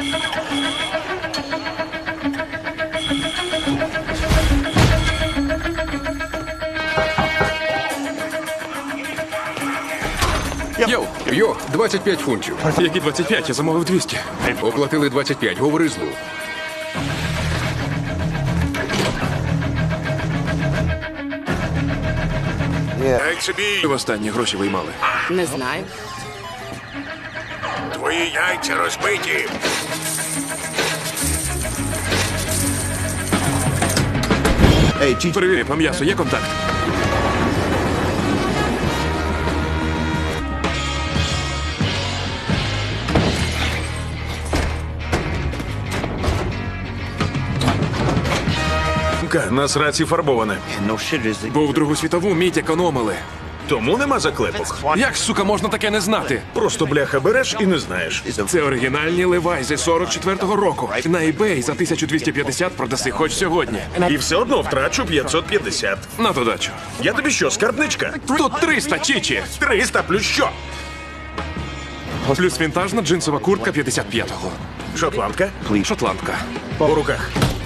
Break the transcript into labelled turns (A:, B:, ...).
A: Йо, 25 фунтів.
B: Які 25? Я замовив 200.
A: Оплатили 25, говори з Лу.
C: Дай собі
B: Востаннє гроші виймали.
D: Не знаю.
C: твої яйця розбиті.
B: Перевірі, по м'ясу є контакт?
E: Нас рації фарбоване.
B: Бо в Другу світову мідь економили.
E: Тому нема заклепок.
B: Як, сука, можна таке не знати?
E: Просто бляха береш і не знаєш.
B: Це оригінальні левайзи 44-го року. На eBay за 1250 продаси хоч сьогодні.
E: І все одно втрачу 550.
B: На додачу.
E: Я тобі що, скарбничка?
B: Тут 300, чічі.
E: 300 плюс що?
B: Плюс вінтажна джинсова куртка 55-го.
E: Шотландка?
B: Шотландка.
E: По руках.